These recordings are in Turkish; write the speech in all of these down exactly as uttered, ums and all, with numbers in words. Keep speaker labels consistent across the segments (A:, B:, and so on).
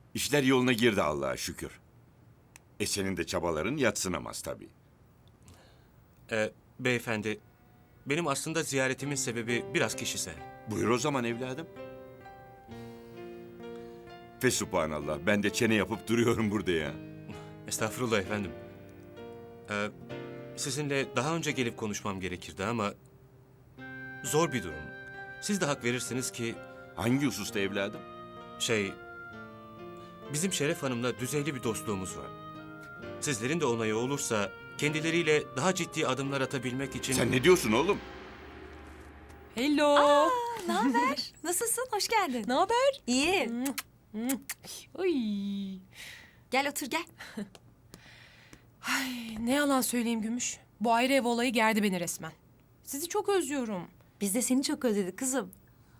A: İşler yoluna girdi Allah'a şükür. E senin de çabaların yadsınamaz tabii.
B: Ee, beyefendi, benim aslında ziyaretimin sebebi biraz kişisel.
A: Buyur o zaman evladım. Fesubhanallah, ben de çene yapıp duruyorum burada ya.
B: Estağfurullah efendim. Ee, sizinle daha önce gelip konuşmam gerekirdi ama... zor bir durum. Siz de hak verirsiniz ki
A: Hangi hususta evladım?
B: şey... bizim Şeref Hanım'la düzeyli bir dostluğumuz var. Sizlerin de onayı olursa kendileriyle daha ciddi adımlar atabilmek için...
A: Sen ne diyorsun oğlum?
C: Hello.
D: Ne haber? Nasılsın? Hoş geldin.
C: Ne haber?
D: İyi.
C: Ay.
D: Gel otur gel.
C: Ay, ne yalan söyleyeyim Gümüş. Bu ayrı ev olayı gerdi beni resmen. Sizi çok özlüyorum.
D: Biz de seni çok özledik kızım.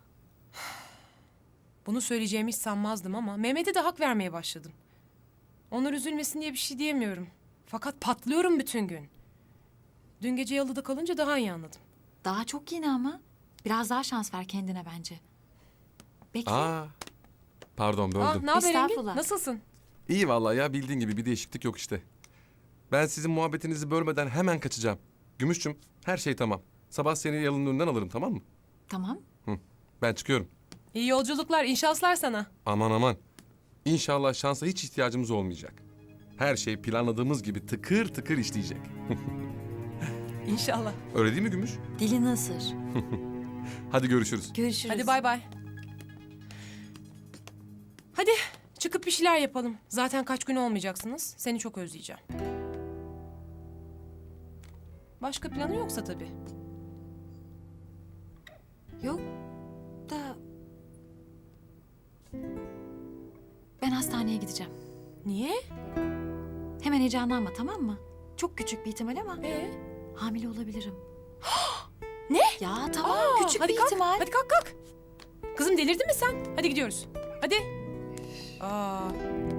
C: Bunu söyleyeceğimi hiç sanmazdım ama Mehmet'e de hak vermeye başladım. Onlar üzülmesin diye bir şey diyemiyorum. Fakat patlıyorum bütün gün. Dün gece yalıda kalınca daha iyi anladım.
D: Daha çok yeni ama. Biraz daha şans ver kendine bence. Bekle.
E: Aa, pardon böldüm.
C: Ah, ne haber Engin?
D: Estağfurullah.
C: Nasılsın?
E: İyi vallahi ya, bildiğin gibi bir değişiklik yok işte. Ben sizin muhabbetinizi bölmeden hemen kaçacağım. Gümüşçüm, her şey tamam. Sabah seni yalının önünden alırım, tamam mı?
D: Tamam.
E: Hı, ben çıkıyorum.
C: İyi yolculuklar, iyi şanslar sana.
E: Aman aman. İnşallah şansa hiç ihtiyacımız olmayacak. Her şey planladığımız gibi tıkır tıkır işleyecek.
C: İnşallah.
E: Öyle değil mi Gümüş?
D: Dilini ısır.
E: Hadi görüşürüz.
D: Görüşürüz.
C: Hadi bay bay. Hadi çıkıp bir şeyler yapalım. Zaten kaç gün olmayacaksınız. Seni çok özleyeceğim. Başka planı yoksa tabii.
D: Yok da... Ben hastaneye gideceğim.
C: Niye?
D: Hemen heyecanlanma, tamam mı? Çok küçük bir ihtimal ama
C: Ee?
D: hamile olabilirim.
C: Ne?
D: Ya tamam,
C: Aa,
D: küçük
C: hadi
D: bir
C: kalk,
D: ihtimal.
C: Hadi kalk kalk. Kızım delirdin mi sen? Hadi gidiyoruz. Hadi. Aa,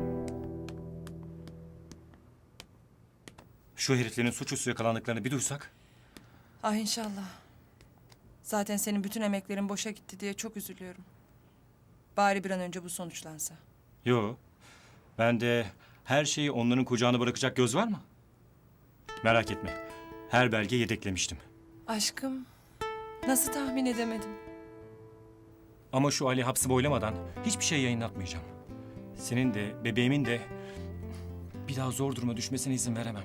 F: Şu heriflerin suçüstü yakalandıklarını bir duysak.
G: Ah inşallah. Zaten senin bütün emeklerin boşa gitti diye çok üzülüyorum. Bari bir an önce bu sonuçlansa.
F: Yo. Ben de her şeyi onların kucağına bırakacak göz var mı? Merak etme. Her belge yedeklemiştim.
G: Aşkım, nasıl tahmin edemedim?
F: Ama şu Ali hapsi boylamadan hiçbir şey yayınlatmayacağım. Senin de bebeğimin de bir daha zor duruma düşmesine izin veremem.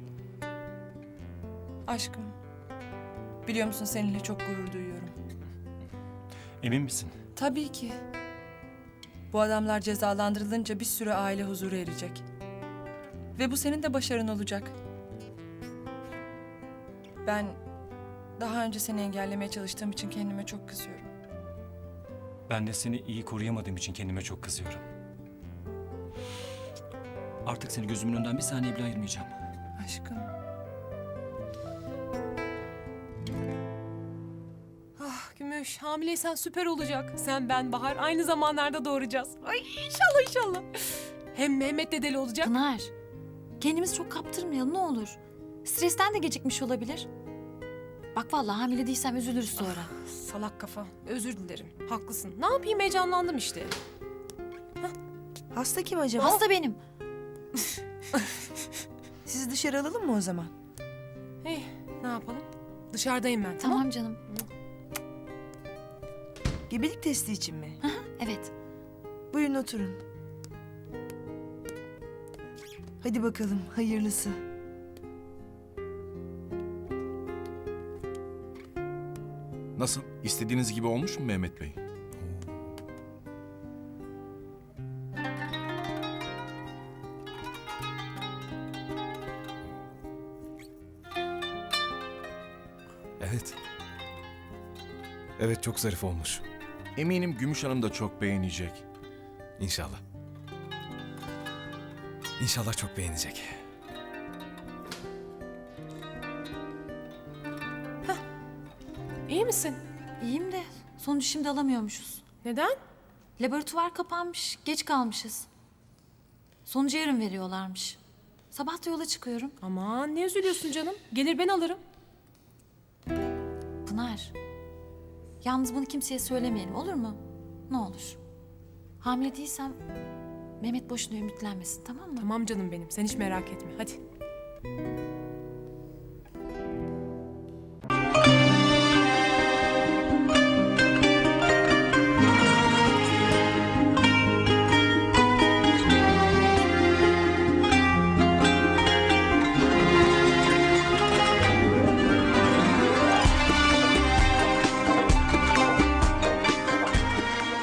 G: Aşkım, biliyor musun seninle çok gurur duyuyorum.
F: Emin misin?
G: Tabii ki. Bu adamlar cezalandırılınca bir sürü aile huzuru erecek. Ve bu senin de başarın olacak. Ben daha önce seni engellemeye çalıştığım için kendime çok kızıyorum.
F: Ben de seni iyi koruyamadığım için kendime çok kızıyorum. Artık seni gözümün önünden bir saniye bile ayırmayacağım.
G: Aşkım.
C: ah Gümüş hamileysen süper olacak. Sen, ben, Bahar aynı zamanlarda doğuracağız. Ay inşallah inşallah. Hem Mehmet dedeli olacak.
D: Pınar, kendimizi çok kaptırmayalım ne olur. Stresten de gecikmiş olabilir. Bak vallahi hamile değilsem üzülürüz sonra.
C: Salak kafa. Özür dilerim. Haklısın. Ne yapayım heyecanlandım işte.
H: Hasta kim acaba?
D: Hasta benim.
H: Sizi dışarı alalım mı o zaman?
C: Hey, ne yapalım? Dışarıdayım ben. Tamam.
D: Tamam canım.
H: Gebelik testi için mi?
D: Evet.
H: Buyurun oturun. Hadi bakalım hayırlısı.
I: Nasıl? İstediğiniz gibi olmuş mu Mehmet Bey? Evet. Evet, çok zarif olmuş. Eminim Gümüş Hanım da çok beğenecek. İnşallah. İnşallah çok beğenecek.
C: İyi misin?
D: İyiyim de sonucu şimdi alamıyormuşuz.
C: Neden?
D: Laboratuvar kapanmış, geç kalmışız. Sonucu yarın veriyorlarmış. Sabah da yola çıkıyorum.
C: Aman ne üzülüyorsun canım? Gelir ben alırım.
D: Pınar, yalnız bunu kimseye söylemeyelim olur mu? Ne olur. Hamile değilsem Mehmet boşuna ümitlenmesin, tamam mı?
C: Tamam canım benim. Sen hiç merak etme. Hadi.